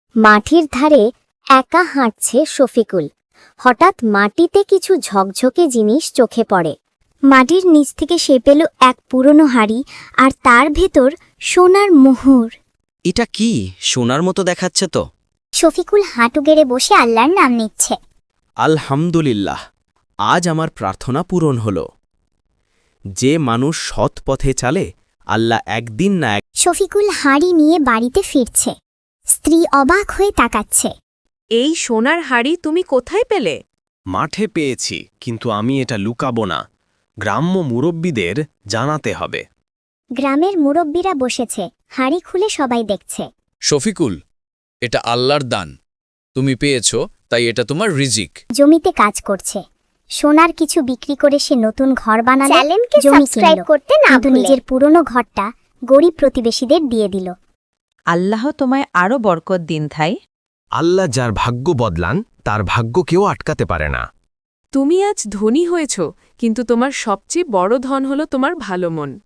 মাটির ধারে একা হাঁটছে শফিকুল। হঠাৎ মাটিতে কিছু ঝকঝকে জিনিস চোখে পড়ে। মাটির নিচ থেকে সে পেল এক পুরনো হাড়ি, আর তার ভেতর সোনার মোহর। এটা কি সোনার মতো দেখাচ্ছে তো? শফিকুল হাঁটু গেড়ে বসে আল্লাহর নাম নিচ্ছে। আলহামদুলিল্লাহ, আজ আমার প্রার্থনা পূরণ হল। যে মানুষ সৎ পথে চালে, আল্লাহ একদিন না শফিকুল হাঁড়ি নিয়ে বাড়িতে ফিরছে। স্ত্রী অবাক হয়ে তাকাচ্ছে। এই সোনার হাড়ি তুমি কোথায় পেলে? মাঠে পেয়েছি, কিন্তু আমি এটা লুকাবো না। গ্রাম্য মুরব্বীদের জানাতে হবে। গ্রামের মুরব্বীরা বসেছে, হাঁড়ি খুলে সবাই দেখছে। শফিকুল, এটা আল্লাহর দান। তুমি পেয়েছ, তাই এটা তোমার রিজিক। জমিতে কাজ করছে। সোনার কিছু বিক্রি করে সে নতুন ঘর বানালো। চ্যানেলকে জমি সাবস্ক্রাইব কিনল, করতে না কিন্তু ভুলে। নিজের পুরনো ঘরটা গরিব প্রতিবেশীদের দিয়ে দিল। আল্লাহ তোমায় আরও বরকত দিন থাই। আল্লাহ যার ভাগ্য বদলান, তার ভাগ্য কেউ আটকাতে পারে না। তুমি আজ ধনী হয়েছ, কিন্তু তোমার সবচেয়ে বড় ধন হলো তোমার ভালো মন।